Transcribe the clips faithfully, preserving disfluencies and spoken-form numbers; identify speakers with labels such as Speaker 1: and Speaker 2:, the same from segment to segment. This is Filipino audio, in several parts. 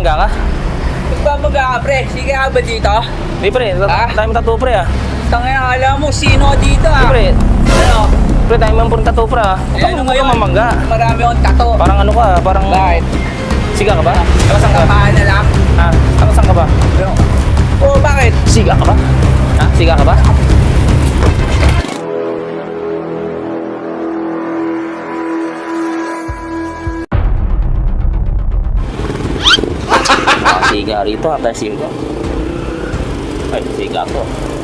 Speaker 1: Nagmamangga ka?
Speaker 2: Nagbabaga ka, pre. Sige ka ba dito?
Speaker 1: Di pre,
Speaker 2: Ah?
Speaker 1: tayo mo tattoo pre ah.
Speaker 2: Tangina, alam mo, sino dito
Speaker 1: Di
Speaker 2: ah?
Speaker 1: pre,
Speaker 2: Ano?
Speaker 1: pre tayo mo puro tattoo pre ah.
Speaker 2: Eh,
Speaker 1: Ano
Speaker 2: ano
Speaker 1: mo ka
Speaker 2: ngayon?
Speaker 1: mamangga?
Speaker 2: Marami akong tato.
Speaker 1: Parang ano ka, parang...
Speaker 2: Bakit?
Speaker 1: Siga ka ba? Taga saan ka?
Speaker 2: Kapahan na lang.
Speaker 1: Ha? Taga saan ka ba?
Speaker 2: Ano? Oo, bakit?
Speaker 1: Siga ka ba? Ha? Siga ka ba? Ah, siga rito ha, tayo siga. Ay, siga to.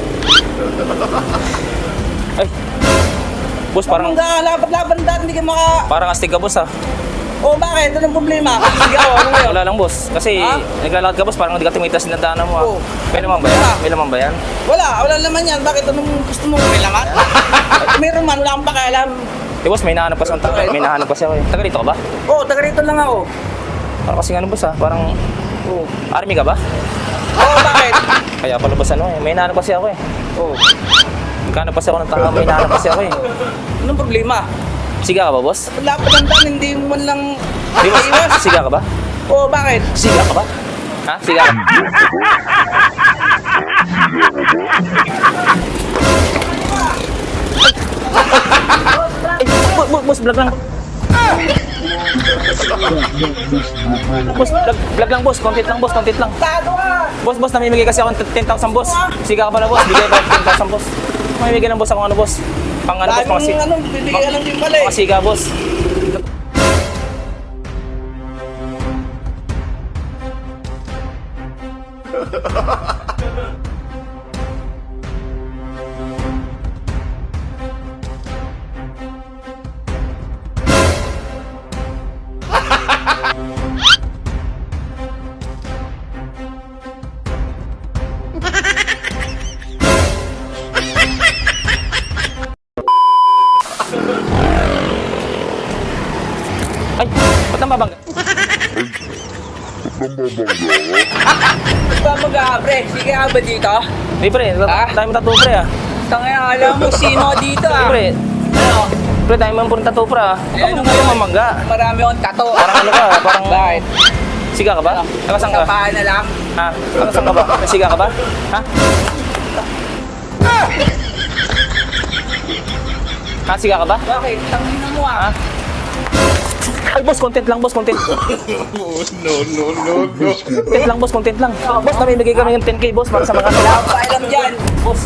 Speaker 1: Ay. Boss, parang
Speaker 2: Parang laban-laban dati, hindi ka maka...
Speaker 1: parang astig ka boss ha.
Speaker 2: Oo, bakit? Anong problema? Sige ako, ano ngayon?
Speaker 1: Wala lang boss. Kasi
Speaker 2: Ha?
Speaker 1: naglalakad ka boss, parang hindi ka tumitas ng daanan mo ha.
Speaker 2: Oo.
Speaker 1: May naman ba yan? May naman ba yan?
Speaker 2: Wala, wala naman yan. Bakit? Anong gusto mo? May laman? Meron man, wala akong pakialam.
Speaker 1: Eh boss, may nahanap kasi ako. May nahanap kasi ako eh. Taga rito ka ba?
Speaker 2: Oo, taga rito lang ako.
Speaker 1: Parang kasi ano boss ha, parang...
Speaker 2: Oo.
Speaker 1: Army ka ba?
Speaker 2: Oo, bakit?
Speaker 1: Kaya pala boss ano eh, may nahanap kasi ako eh.
Speaker 2: Oo.
Speaker 1: Magkano kasi ako ng tanga, may nahanap kasi ako eh.
Speaker 2: Anong problema?
Speaker 1: Siga ka ba boss?
Speaker 2: Wala pa lang tan, hindi mo man lang
Speaker 1: Di boss,
Speaker 2: iwas.
Speaker 1: siga ka ba?
Speaker 2: Oo, bakit?
Speaker 1: Siga ka ba? Ha? Siga ka? Ay, boss, boss, boss, vlog lang. Boss, vlog, vlog lang boss, content lang boss, content lang.
Speaker 2: Tado ka!
Speaker 1: Boss, boss, namimigay kasi ako ng ten thousand boss. Siga ka pala boss, bigay pa ten thousand boss. Mamimigay ng boss ako ano boss. Pang ano boss, mga
Speaker 2: Daming
Speaker 1: siga.
Speaker 2: ano, bibigyan lang din pala eh.
Speaker 1: Mga siga boss. Ay, ba't nang babangga?
Speaker 2: Nagbabaga ka, pre. Sige ka ba dito?
Speaker 1: Di pre,
Speaker 2: Ah?
Speaker 1: tayo mo tattoo pre ah.
Speaker 2: Tangina, alam mo, sino dito
Speaker 1: Di
Speaker 2: ah?
Speaker 1: pre,
Speaker 2: Ano?
Speaker 1: pre tayo mo puro tattoo pre ah.
Speaker 2: Eh,
Speaker 1: Ano
Speaker 2: ano
Speaker 1: mo ka
Speaker 2: ngayon?
Speaker 1: mamangga?
Speaker 2: Marami akong tato.
Speaker 1: Parang ano ka, parang...
Speaker 2: Bakit?
Speaker 1: Siga ka ba? Taga saan ka?
Speaker 2: Kapahan na lang.
Speaker 1: Ha? Taga saan ka ba? May siga ka ba? Ha? Ha? Siga ka ba?
Speaker 2: Bakit? Tangina mo
Speaker 1: Ha?
Speaker 2: ah.
Speaker 1: Ay boss, content lang boss, content.
Speaker 3: No, no, no, no.
Speaker 1: Content lang boss, content lang. Boss, namimigay kami ng ten K boss para sa mga
Speaker 2: Wala
Speaker 1: kanila.
Speaker 2: akong pakialam dyan.
Speaker 1: Boss.